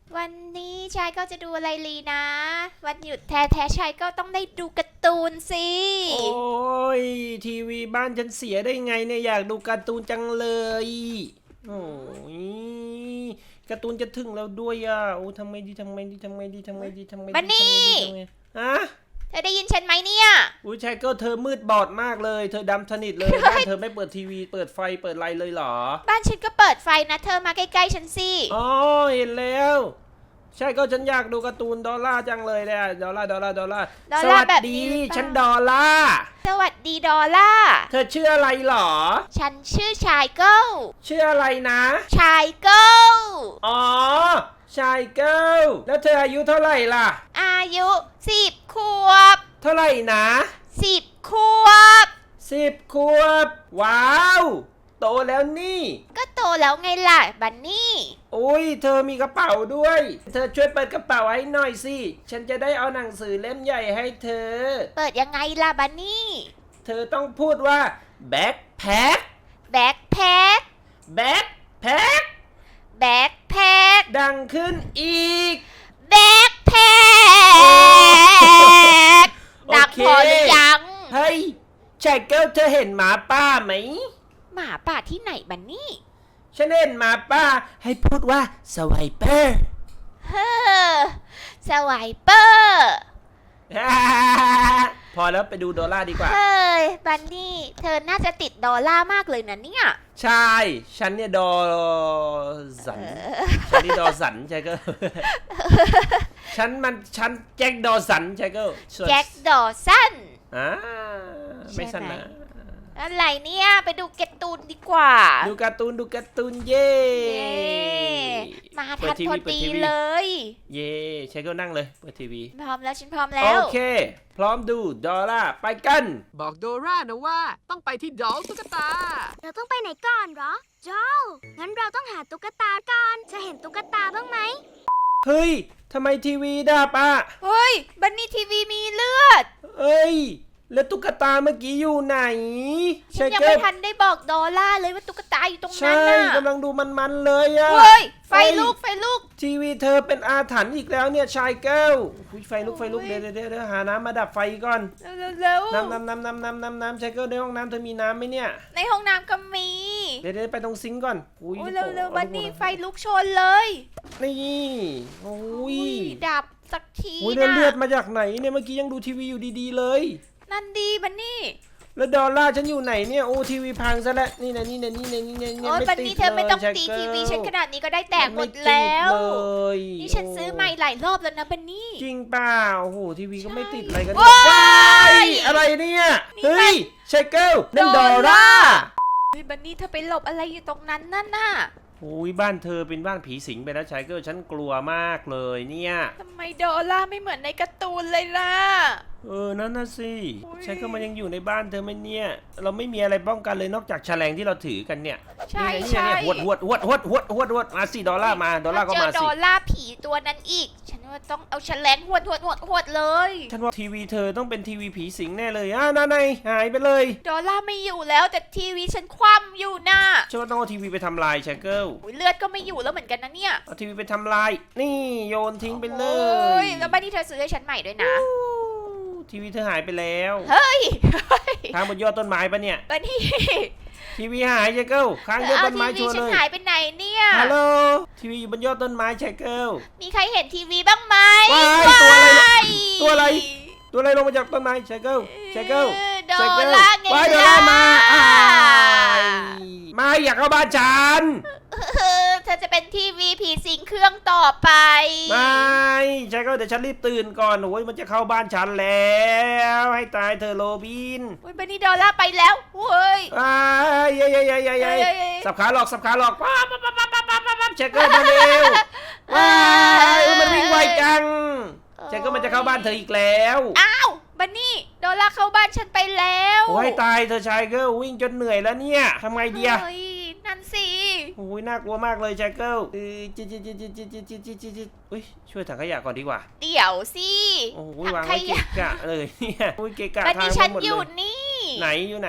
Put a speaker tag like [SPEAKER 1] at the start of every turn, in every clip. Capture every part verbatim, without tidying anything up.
[SPEAKER 1] วันนี้ชายก็จะดูอะไรลีนะวันหยุดแท้ๆชายก็ต้องได้ดูการ์ตูนสิ
[SPEAKER 2] โอ้ยทีวีบ้านฉันเสียได้ไงเนี่ยอยากดูการ์ตูนจังเลยโอ้ยการ์ตูนจะถึงแล้วด้วยอ่ะโอ้ทำไมดีทำไมดีทำไมดีทำไมดีทำไมดี
[SPEAKER 1] บันนี่
[SPEAKER 2] ฮะ
[SPEAKER 1] เธอได้ยินฉันไหมเนี่ย
[SPEAKER 2] อุ้ยชายก็เธอมืดบอดมากเลยเธอดำสนิทเลยบ้านเธอไม่เปิดทีวีเปิดไฟเปิดไลน์เลยเหรอ
[SPEAKER 1] บ้านฉันก็เปิดไฟนะเธอมาใกล้ๆฉันสิ
[SPEAKER 2] อ๋อเห็นแล้วใช่ก็ฉันอยากดูการ์ตูนดอลล่าจังเลยเนี่ยดอลล่าดอลล่าดอลล่าสวัสดีฉันดอลล่า
[SPEAKER 1] สวัสดีดอลล่า
[SPEAKER 2] เธอชื่ออะไรหรอ
[SPEAKER 1] ฉันชื่อชายเกิล
[SPEAKER 2] ชื่ออะไรนะ
[SPEAKER 1] ชายเกิล
[SPEAKER 2] อ๋อชายเกิลแล้วเธออายุเท่าไหร่ล่ะ
[SPEAKER 1] อายุสิบขวบ
[SPEAKER 2] เท่าไหร่นะ
[SPEAKER 1] สิบขวบ
[SPEAKER 2] สิบขวบว้าวโตแล้วนี่
[SPEAKER 1] ก็โตแล้วไงล่ะบันนี่
[SPEAKER 2] อุ้ยเธอมีกระเป๋าด้วยเธอช่วยเปิดกระเป๋าให้หน่อยสิฉันจะได้เอาหนังสือเล่มใหญ่ให้เธอ
[SPEAKER 1] เปิดยังไงล่ะบันนี่
[SPEAKER 2] เธอต้องพูดว่าแบ็คแพ็ค
[SPEAKER 1] แบ็คแพ็ค
[SPEAKER 2] แบ็คแพ็ค
[SPEAKER 1] แบ็คแพ็ค
[SPEAKER 2] ดังขึ้นอีก
[SPEAKER 1] แบ็คแพ็คดังพอหรือยัง
[SPEAKER 2] เฮ้ยชายเกิลเธอเห็นหมาป่าไหม
[SPEAKER 1] หมาป่าที่ไหนบันนี่
[SPEAKER 2] ฉันเห็นหมาป่าให้พูดว่าสไวเปอร์
[SPEAKER 1] เฮ้อสไวเปอร์
[SPEAKER 2] พอแล้วไปดูดอลล่าดีกว่า
[SPEAKER 1] เฮ้ยบันนี่เธอน่าจะติดดอลล่ามากเลยนะเนี่ย
[SPEAKER 2] ใช่ฉันเนี่ยดอสันฉันนี่ดอสันใช่ก็ฉันมันฉันแจ็คดอสันใช่ก็
[SPEAKER 1] แจ็คดอสัน
[SPEAKER 2] อ่าไม่สันนะ
[SPEAKER 1] อะไรเนี่ยไปดูการ์ตูนดีกว่า
[SPEAKER 2] ดูการ์ตูนดูการ์ตูนเย่
[SPEAKER 1] มาทันพอดีเลย
[SPEAKER 2] เย่ใช้ก็นั่งเลยเปิดทีวี
[SPEAKER 1] พร้อมแล้วฉันพร้อมแล้ว
[SPEAKER 2] โอเคพร้อมดูดอลล่าไปกัน
[SPEAKER 3] บอกโดรานะว่าต้องไปที่ดอลตุ๊กตา
[SPEAKER 4] เราต้องไปไหนก่อนเหรอโจงั้นเราต้องหาตุ๊กตาก่อนจะเห็นตุ๊กตาบ้างไหม
[SPEAKER 2] เฮ้ยทำไมทีวีดับอ่ะ
[SPEAKER 1] เฮ้ยบันนี่ทีวีมีเลือด
[SPEAKER 2] เอ้ยแล้วตุ๊กตาเมื่อกี้อยู่ไหน
[SPEAKER 1] ฉันยังไม่ทันได้บอกดอลล่าเลยว่าตุ๊กตาอยู่ตรงนั้นน่ะ
[SPEAKER 2] ใช่กำลังดูมันๆเลยอะ
[SPEAKER 1] เฮ้ยไฟลุกไฟลุก
[SPEAKER 2] ทีวีเธอเป็นอาถรรพ์อีกแล้วเนี่ยชายแก้วไฟลุกไฟลุกเดี๋ยวเดี๋ยวเดี๋ยวหาน้ำมาดับไฟก่อน
[SPEAKER 1] เร็ว
[SPEAKER 2] น้ำน้ำน้ำน้ำน้ำน้ำน้ำชายแก้วในห้องน้ำเธอมีน้ำไหมเนี่ย
[SPEAKER 1] ในห้องน้ำก็มี
[SPEAKER 2] เดี๋ยวเดี๋ยวไปตรงซิงก์ก่อน
[SPEAKER 1] อุ้ยเร็วเร็วบันนี่ไฟลุกชนเลย
[SPEAKER 2] นี่โอ้ย
[SPEAKER 1] ดับสักที
[SPEAKER 2] นะเลือดมาจากไหนเนี่ยเมื่อกี้ยังดูทีวีอยู่ดีๆเลย
[SPEAKER 1] นั่นดีบันนี่
[SPEAKER 2] แล้วดอลล่าฉันอยู่ไหนเนี่ยโอ้ทีวีพังซะแล้วนี่นะนี่นะนี่นะนี่นะ
[SPEAKER 1] โอ้บันนี่เธอไม่ต้องตีทีวีฉันขนาดนี้ก็ได้แตกหมดแล้วนี่ฉันซื้อใหม่หลายรอบแล้วนะบันนี่
[SPEAKER 2] จริงเปล่าโอ้โหทีวีก็ไม่ติดอะไรกันว้ายอะไรเนี่ยเฮ้ยไชเกิลนั่นดอลล่า
[SPEAKER 1] บันนี่เธอไปหลบอะไรอยู่ตรงนั้นนั่นน่ะ
[SPEAKER 2] โอ้ยบ้านเธอเป็นบ้านผีสิงไปแล้วชายเกิลฉันกลัวมากเลยเนี่ย
[SPEAKER 1] ทำไมดอลล่าไม่เหมือนในการ์ตูนเลยล่ะ
[SPEAKER 2] เออนั่นน่ะสิชายเกิลมันยังอยู่ในบ้านเธอไหมเนี่ยเราไม่มีอะไรป้องกันเลยนอกจากแฉลงที่เราถือกันเนี่ย
[SPEAKER 1] ใช่ใช่
[SPEAKER 2] หวดหวดหวดหวดหวดหวดหวดมาสิดอลล่ามาดอลล่าก็มาสิ
[SPEAKER 1] เจอดอลล่าผีตัวนั้นอีกฉันว่าต้องเอาแฉลงหวดหวดหวดหวดเลย
[SPEAKER 2] ฉันว่าทีวีเธอต้องเป็นทีวีผีสิงแน่เลยอ่ะนั่นไงหายไปเลย
[SPEAKER 1] ดอลล่าไม่อยู่แล้วแต่ทีวีฉันคว่ำอยู่น่ะ
[SPEAKER 2] ฉันว่าต้องเอาทีวีไปทำลายชายเกิล
[SPEAKER 1] เลือดก็ไม่อยู่แล้วเหมือนกันนะเนี่ย
[SPEAKER 2] เอาทีวีไปทำลายนี่โยนทิ้งไปเลย
[SPEAKER 1] แล้วบ้านที่เธอซื้อให้ฉันใหม่ด้วยนะ
[SPEAKER 2] ทีวีเธอหายไปแล้ว
[SPEAKER 1] เฮ้ย
[SPEAKER 2] ค้างบนยอดต้นไม้ปะเนี่ย
[SPEAKER 1] บ้านที่
[SPEAKER 2] ทีวีหายชายเกิลค้างยอดต้นไม้ชัวร์เลย
[SPEAKER 1] ทีวีฉันหายไปไหนเนี่ย
[SPEAKER 2] ฮัลโหลทีวีอยู่บนยอดต้นไม้ชายเกิล
[SPEAKER 1] มีใครเห็นทีวีบ้างไหม
[SPEAKER 2] ตัวอะไรตัวอะไรตัวอะไรลงมาจากต้นไม้ชายเกิลชายเกิล
[SPEAKER 1] ดอลล่าไงล่ะ
[SPEAKER 2] ดอลล่ามามาอยากเข้าบ้านฉัน
[SPEAKER 1] เธอจะเป็นทีวีผีสิงเครื่องต่อไป
[SPEAKER 2] ไม่ใช่ก็เดี๋ยวฉันรีบตื่นก่อนโอ้ยมันจะเข้าบ้านฉันแล้วให้ตายเธอโรบิน
[SPEAKER 1] โอ้ยบันนี่ดอลล่าไปแล้วเฮ้ย
[SPEAKER 2] อ้ายยัยยัยยัยยัยสับขาหลอกสับขาหลอกป๊าป๊าป๊าป๊าป๊าป๊าป๊าเช็คเกอร์มาเร็วว้ายมันวิ่งไวจังเช็คเกอร์มันจะเข้าบ้านเธออีกแล้ว
[SPEAKER 1] อ้าวบันนี่ดอลล่าเข้าบ้านฉันไปแล้ว
[SPEAKER 2] โอ้ยตายเธอชายเกอร์วิ่งจนเหนื่อยแล้วเนี่ยทำไงดีอะ
[SPEAKER 1] นั่นสิ
[SPEAKER 2] โอ้ยน่ากลัวมากเลยชายเกิลจิจิจิจิจิจิจิจิจิจิอุ้ยช่วยถังขยะก่อนดีกว่า
[SPEAKER 1] เดี๋ยวสิ
[SPEAKER 2] โอ้ยวางไว้เกะกะเลยเนี่ยโอ้ยเกะกะทาง
[SPEAKER 1] บันนี่ฉันอยู่นี่
[SPEAKER 2] ไหนอยู่ไหน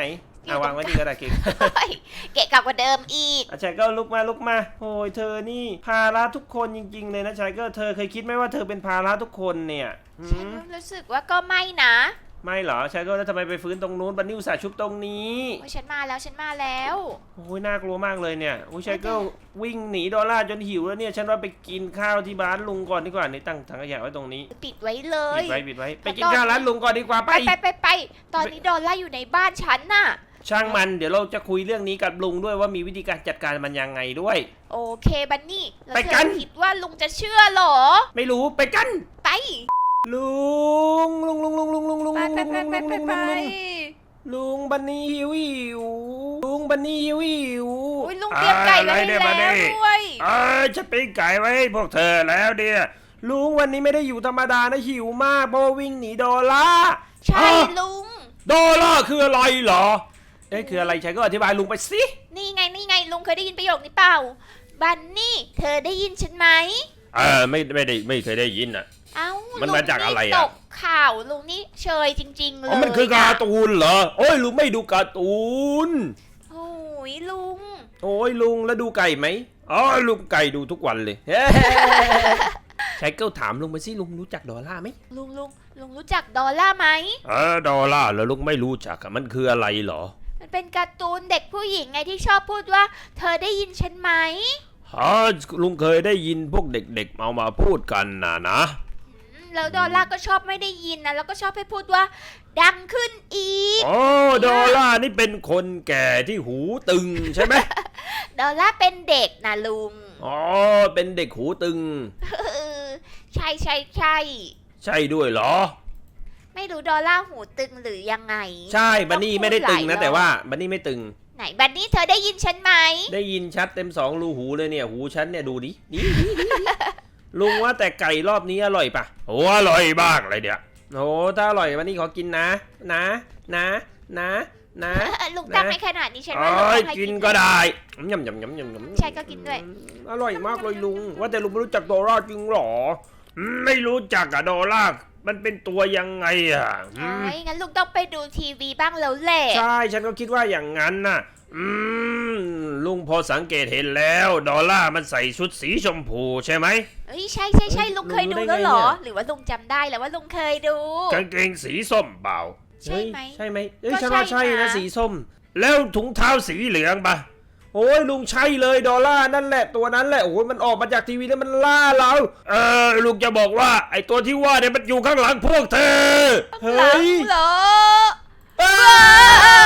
[SPEAKER 1] อยู่
[SPEAKER 2] เอา
[SPEAKER 1] ตร
[SPEAKER 2] วาง
[SPEAKER 1] ง
[SPEAKER 2] ไว้นี่ก็ได้เก่ง
[SPEAKER 1] เฮ้ยเกะกะกว่าเดิมอีก
[SPEAKER 2] อาชายเกิลลุกมาลุกมาโอ้ยเธอนี่ภาระทุกคนจริงๆเลยนะชายเกิลเธอเคยคิดไหมว่าเธอเป็นภาระทุกคนเนี่ยหื
[SPEAKER 1] ฉัน
[SPEAKER 2] ม
[SPEAKER 1] รู้สึกว่าก็ไม่นะ
[SPEAKER 2] ไม่เหรอชายเกิลแล้วทำไมไปฟื้นตรงนู้นบันนี่อุตส่าห์ชุบตรงนี้
[SPEAKER 1] โอ้ยฉันมาแล้วฉันมาแล้ว
[SPEAKER 2] โอ้ยน่ากลัวมากเลยเนี่ยโอ้ยชายเกิลวิ่งหนีดอลลาร์จนหิวแล้วเนี่ยฉันว่าไปกินข้าวที่บ้านลุงก่อนดีกว่านี่ตั้งถังขยะไว้ตรงนี้
[SPEAKER 1] ปิดไว้เลย
[SPEAKER 2] ปิดไว้ปิดไว้ไปกินข้าวร้านลุงก่อนดีกว่าไป
[SPEAKER 1] ไปไปไปไปตอนนี้ดอลล่าอยู่ในบ้านฉันน่ะ
[SPEAKER 2] ช่างมันเดี๋ยวเราจะคุยเรื่องนี้กับลุงด้วยว่ามีวิธีการจัดการมันยังไงด้วย
[SPEAKER 1] โอเคบันนี่แล้ว
[SPEAKER 2] ไป
[SPEAKER 1] เธ
[SPEAKER 2] กั
[SPEAKER 1] อน คิดว่าลุงจะเชื่อเหรอ
[SPEAKER 2] ไม่รู้ไปกัน
[SPEAKER 1] ไป
[SPEAKER 2] ลุงลุงลุงลุงลุงลุงลุง
[SPEAKER 1] ไป
[SPEAKER 2] ลุง
[SPEAKER 1] ไป
[SPEAKER 2] ลุง
[SPEAKER 1] ไป
[SPEAKER 2] ลุง
[SPEAKER 1] ไป
[SPEAKER 2] ลุง
[SPEAKER 1] ไป
[SPEAKER 2] ลุงลุงบันนี่หิวหิวลุงบันนี่หิวหิว
[SPEAKER 1] อุ้ยลุงเตรียมไก่ไว้ให้แล้วด้วย
[SPEAKER 2] เอ้ยจะปิ้งไก่ไว้ให้พวกเธอแล้วเดียลุงวันนี้ไม่ได้อยู่ธรรมดานะหิวมากเพราะว่าวิ่งหนีดอลลาร์
[SPEAKER 1] ใช่
[SPEAKER 2] ฮะ
[SPEAKER 1] ลุง
[SPEAKER 2] ดอลลาร์คืออะไรเหรอเอ้ยคืออะไรใช่ก็อธิบายลุงไปสิ
[SPEAKER 1] นี่ไงนี่ไงลุงเคยได้ยินประโยคนี้เปล่าบันนี่เธอได้ยินฉันไหม
[SPEAKER 2] เออไม่ไม่ได้ไม่เคยได้ยินอ่ะ
[SPEAKER 1] เอ้า
[SPEAKER 2] มัน
[SPEAKER 1] ลุง
[SPEAKER 2] มาจากอะไร
[SPEAKER 1] นี่
[SPEAKER 2] อะ
[SPEAKER 1] ตกข่าวลุงนี่เชยจริง ๆ เลย
[SPEAKER 2] อ๋อมันคือการ์ตูนเหรอโอ้ยลุงไม่ดูการ์ตูน
[SPEAKER 1] โอ้ยลุง
[SPEAKER 2] โอ้ยลุงแล้วดูไก่ไหมอ๋อลุงไก่ดูทุกวันเลย ใช้เกิลถามลุงไปสิลุงรู้จักดอลลาร์ไหม
[SPEAKER 1] ลุงลุงลุงรู้จักดอลล่าร์ไหม
[SPEAKER 2] เออดอลลาร์แล้วลุงไม่รู้จักอะมันคืออะไรเหรอ
[SPEAKER 1] มันเป็นการ์ตูนเด็กผู้หญิงไงที่ชอบพูดว่า เธอได้ยินฉันไหม
[SPEAKER 2] ฮะลุงเคยได้ยินพวกเด็กๆเอามาพูดกันนะนะ
[SPEAKER 1] อืมแล้วดอลล่าร์ก็ชอบไม่ได้ยินนะแล้วก็ชอบให้พูดว่า ดังขึ้นอีก
[SPEAKER 2] อ๋อดอลลาร์นี่เป็นคนแก่ที่หูตึงใช่ไหม
[SPEAKER 1] ดอลล่าร์เป็นเด็กนะลุง
[SPEAKER 2] อ๋อเป็นเด็กหูตึง
[SPEAKER 1] เออใช่ใช่ใช่
[SPEAKER 2] ใช่ด้วยเหรอ
[SPEAKER 1] ไม่รู้ดอลล่าร์หูตึงหรือยังไง
[SPEAKER 2] ใช่บันนี่ไม่ได้ตึง
[SPEAKER 1] หลายร
[SPEAKER 2] นะ
[SPEAKER 1] อบ
[SPEAKER 2] แต่ว่าบันนี่ไม่ตึง
[SPEAKER 1] ไหนบันนี่เธอได้ยินฉันไหม
[SPEAKER 2] ได้ยินชัดเต็มสองรูหูเลยเนี่ยหูฉันเนี่ยดูดิดิดิดิดิลุงว่าแต่ไก่รอบนี้อร่อยปะโอ้อร่อยมากเลยเนี่ยโอ้ถ้าอร่อยวันนี้ขอกินนะ นะ นะ นะ นะ
[SPEAKER 1] เออลุงตั้งไม่ขนาดนี้ฉันว่าลุง
[SPEAKER 2] เอ้ย
[SPEAKER 1] ต้องให้
[SPEAKER 2] กิ
[SPEAKER 1] กิ
[SPEAKER 2] น
[SPEAKER 1] น
[SPEAKER 2] ก็ได้ยำยำยำยำยำ
[SPEAKER 1] ใช่ก็กินด้วย
[SPEAKER 2] อร่อยมากเลยลุง ว่าแต่ลุงไม่รู้จักดอลลาร์จริงหรออืมไม่รู้จักอะดอลลาร์มันเป็นตัวยังไงอะอื
[SPEAKER 1] โอ้
[SPEAKER 2] ม
[SPEAKER 1] ยงั้นลุงต้องไปดูทีวีบ้างแล้วแหละ
[SPEAKER 2] ใช่ฉันก็คิดว่าอย่างนั้นน่ะ อืมลุงพอสังเกตเห็นแล้วดอลลาร์มันใส่ชุดสีชมพูใช่ไหม
[SPEAKER 1] เอ้ยใช่ใช่ใช่
[SPEAKER 2] เอ้ย
[SPEAKER 1] ลุงเคย
[SPEAKER 2] ลุ
[SPEAKER 1] ดู
[SPEAKER 2] งรู้ได้
[SPEAKER 1] แล้วเหรอ
[SPEAKER 2] ไงเนี่ย
[SPEAKER 1] หรือว่าลุงจำได้แล้วว่าลุงเคยดู
[SPEAKER 2] กางเกงสีส้มเปล่า
[SPEAKER 1] ใช่ไหม
[SPEAKER 2] เฮ้ยใช่ไหมเอ้ย
[SPEAKER 1] ก็
[SPEAKER 2] ฉันว่า
[SPEAKER 1] ใช่
[SPEAKER 2] ใช่นะ
[SPEAKER 1] นะ
[SPEAKER 2] สีส้ม แล้วถุงเท้าสีเหลืองปะโอ้ยลุงใช่เลยดอลลาร์นั่นแหละตัวนั้นแหละโอ้ยมันออกมาจากทีวีแล้วมันล่าเราเออลุงจะบอกว่าไอตัวที่ว่าเนี่ยมันอยู่ข้างหลังพวกเธอเฮ้
[SPEAKER 1] หลัง
[SPEAKER 2] ย
[SPEAKER 1] เหรอ
[SPEAKER 2] เอ้
[SPEAKER 1] เอ้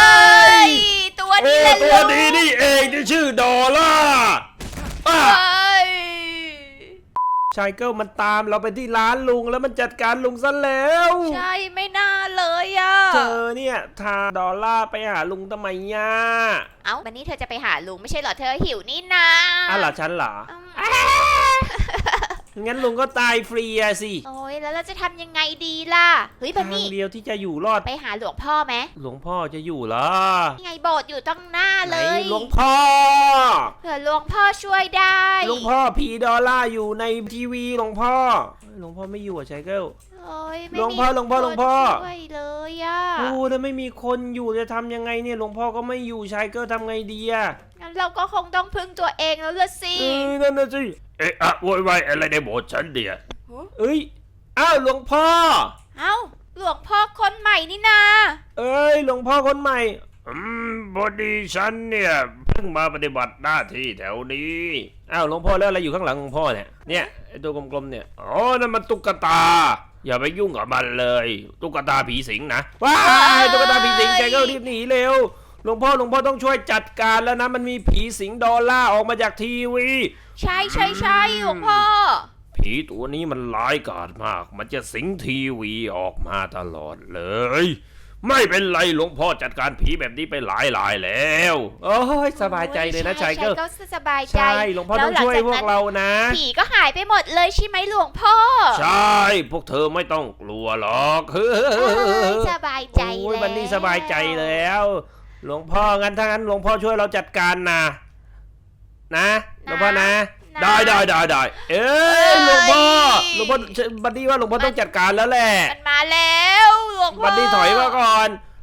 [SPEAKER 2] ย
[SPEAKER 1] ยตัว
[SPEAKER 2] โอ้
[SPEAKER 1] นี้แหละ
[SPEAKER 2] ตั
[SPEAKER 1] ลุ
[SPEAKER 2] ว
[SPEAKER 1] ง
[SPEAKER 2] นี้นี่เองที่ชื่อดอลลาร์อ่ะ
[SPEAKER 1] เอ้ย
[SPEAKER 2] ชายเกิลมันตามเราไปที่ร้านลุงแล้วมันจัดการลุงซะแล้ว
[SPEAKER 1] ใช่ไม่น่าเลยอ่ะ
[SPEAKER 2] เธอเนี่ยทาดอลลาร์ไปหาลุงทำไมย่า
[SPEAKER 1] เอ้าวันนี้เธอจะไปหาลุงไม่ใช่เหรอเธอหิวนี่นะ
[SPEAKER 2] อ่ะเหรอฉันเหรอ
[SPEAKER 1] อืม
[SPEAKER 2] งั้นลุงก็ตายฟรีอะสิ
[SPEAKER 1] โอ้ยแล้วเราจะทำยังไงดีล่ะเฮ้ยบัน
[SPEAKER 2] ทาง
[SPEAKER 1] นี่
[SPEAKER 2] เดียวที่จะอยู่รอด
[SPEAKER 1] ไปหาหลวงพ่อไหม
[SPEAKER 2] หลวงพ่อจะอยู่เหรอ
[SPEAKER 1] นี่ไงโบสถ์อยู่ตั้งหน้า
[SPEAKER 2] ไหน
[SPEAKER 1] เลย
[SPEAKER 2] หลวงพ่อ
[SPEAKER 1] เผื่อหลวงพ่อช่วยได้
[SPEAKER 2] หลวงพ่อผีดอลลาร์อยู่ในทีวีหลวงพ่อหลวงพ่อไม่อยู่อะชายเกิล
[SPEAKER 1] โอ้ยไม่
[SPEAKER 2] หลวงพ่อ
[SPEAKER 1] มี
[SPEAKER 2] หลวงพ่อหลวงพ่อ
[SPEAKER 1] คนช่วยเลยอ่ะ
[SPEAKER 2] โอ้ถ้าไม่มีคนอยู่จะทำยังไงเนี่ยหลวงพ่อก็ไม่อยู่ชายเกิลทำไงดีอะ
[SPEAKER 1] งั้นเราก็คงต้องพึ่งตัวเองแล้วละสิ
[SPEAKER 2] เออนั่นน่ะสิเอ๊ะอะโวยวายอะไรในโบสถ์ฉันเดียเอ้ยอ้าวหลวงพ่อ
[SPEAKER 1] เอ้าหลวงพ่อคนใหม่นี่นา
[SPEAKER 2] เอ้ยหลวงพ่อคนใหม่อืมพอดีฉันเนี่ยเพิ่งมาปฏิบัติหน้าที่แถวนี้อ้าวหลวงพ่อแล้วอะไรอยู่ข้างหลังหลวงพ่อเนี่ยเนี่ยไอ้ตัวกลมๆเนี่ยอ๋อนั่นมันตุ๊กตา อย่าไปยุ่งกับมันเลยตุ๊กตาผีสิงนะว้ายตุ๊กตาผีสิงใจก็รีบหนีเร็วหลวงพ่อหลวงพ่อต้องช่วยจัดการแล้วนะมันมีผีสิงดอลลาร์ออกมาจากทีวี
[SPEAKER 1] ใช่ใช่ใช่หลวงพ่อ
[SPEAKER 2] ผีตัวนี้มันร้ายกาจมาก มันจะสิงทีวีออกมาตลอดเลย ไม่เป็นไรหลวงพ่อจัดการผีแบบนี้ไปหลายหลายแล้วโอ้ยสบายใจเลยนะชายเกิล
[SPEAKER 1] ก็สบายใจ
[SPEAKER 2] ใช่หลวงพ่อต้องช่วยพวกเรานะ
[SPEAKER 1] ผีก็หายไปหมดเลยใช่ไหมหลวงพ่อ
[SPEAKER 2] ใช่พวกเธอไม่ต้องกลัวหรอกเฮ้
[SPEAKER 1] เอ้ย
[SPEAKER 2] ย
[SPEAKER 1] สบายใจ
[SPEAKER 2] โอ้ย
[SPEAKER 1] แล้ว
[SPEAKER 2] วันนี้สบายใจแล้ว หลวงพ่องั้นถ้างั้นหลวงพ่อช่วยเราจัดการนะนะหลวงพ่อนะ ได้ได้ได้ได้เอ้ยหลวงพ่อหลวงพ่อบัดดี้ว่าหลวงพ่อต้องจัดการแล้วแหละ
[SPEAKER 1] มันมาแล้วหลวงพ่อ
[SPEAKER 2] บัดดี้ถอยมาก่อน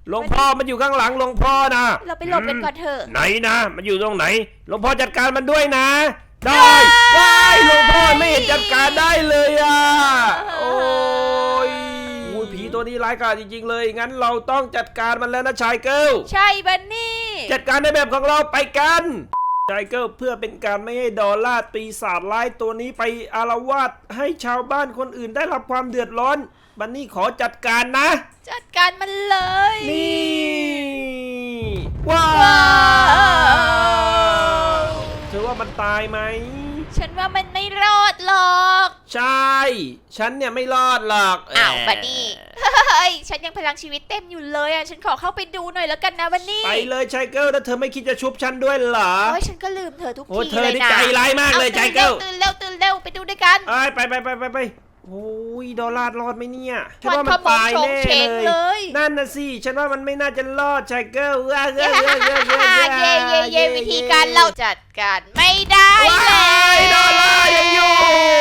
[SPEAKER 2] หลวงพ่อมันอยู่ข้างหลังหลวงพ่อนะ
[SPEAKER 1] เราไปหลบกันก่อนเถอะ
[SPEAKER 2] ไหนนะมันอยู่ตรงไหนหลวงพ่อจัดการมันด้วยนะ ได้ได้หลวงพ่อไม่เห็นจัดการได้เลยอ่ะโอ้ยอุ้ยผีตัวนี้ร้ายกาจจริงๆเลยงั้นเราต้องจัดการมันแล้วนะชายเกิล
[SPEAKER 1] ใช่บันนี่
[SPEAKER 2] จัดการในแบบของเราไปกันชายเกิลเพื่อเป็นการไม่ให้ดอลลาร์ปีศาจร้ายตัวนี้ไปอาละวาดให้ชาวบ้านคนอื่นได้รับความเดือดร้อนบันนี่ขอจัดการนะ
[SPEAKER 1] จัดการมันเลย
[SPEAKER 2] นี่ว้าวเธอว่ามันตายไหม
[SPEAKER 1] ฉันว่ามันไม่รอดหรอก
[SPEAKER 2] ใช่ ฉันเนี่ยไม่รอดหรอก
[SPEAKER 1] อ้าวบันนี่เฮ้ยฉันยังพลังชีวิตเต็มอยู่เลยอ่ะฉันขอเข้าไปดูหน่อยแล้วกันนะบันนี่
[SPEAKER 2] ไปเลยชายเกิลแล้วเธอไม่คิดจะชุบฉันด้วยเหรอ
[SPEAKER 1] โอ้ยฉันก็ลืมเธอทุก
[SPEAKER 2] โอ้
[SPEAKER 1] ที
[SPEAKER 2] เธอ
[SPEAKER 1] เลย
[SPEAKER 2] นี่
[SPEAKER 1] นะ
[SPEAKER 2] ใจร้ายมากเลยชายเกิล
[SPEAKER 1] ตื่นเร็วตื่นเร็วไปดูด้วยกัน
[SPEAKER 2] เอ้ยไปไปไปไปไปโอ้ยดอลลาร์รอดไหมเนี่ยฉัน
[SPEAKER 1] มัน
[SPEAKER 2] ว่า
[SPEAKER 1] ข
[SPEAKER 2] มัน
[SPEAKER 1] โมย
[SPEAKER 2] ตาย
[SPEAKER 1] โฉง
[SPEAKER 2] แน่
[SPEAKER 1] เฉง
[SPEAKER 2] เล
[SPEAKER 1] เลย ย
[SPEAKER 2] นั่นน่ะสิฉันว่ามันไม่น่าจะรอดชายเกิลเย้เย้เย้เย้
[SPEAKER 1] เย่เย่เย่วิธีการเราจัดการไม่ได้
[SPEAKER 2] ว้า
[SPEAKER 1] แล้
[SPEAKER 2] ยดอลลาร์ยังอยู่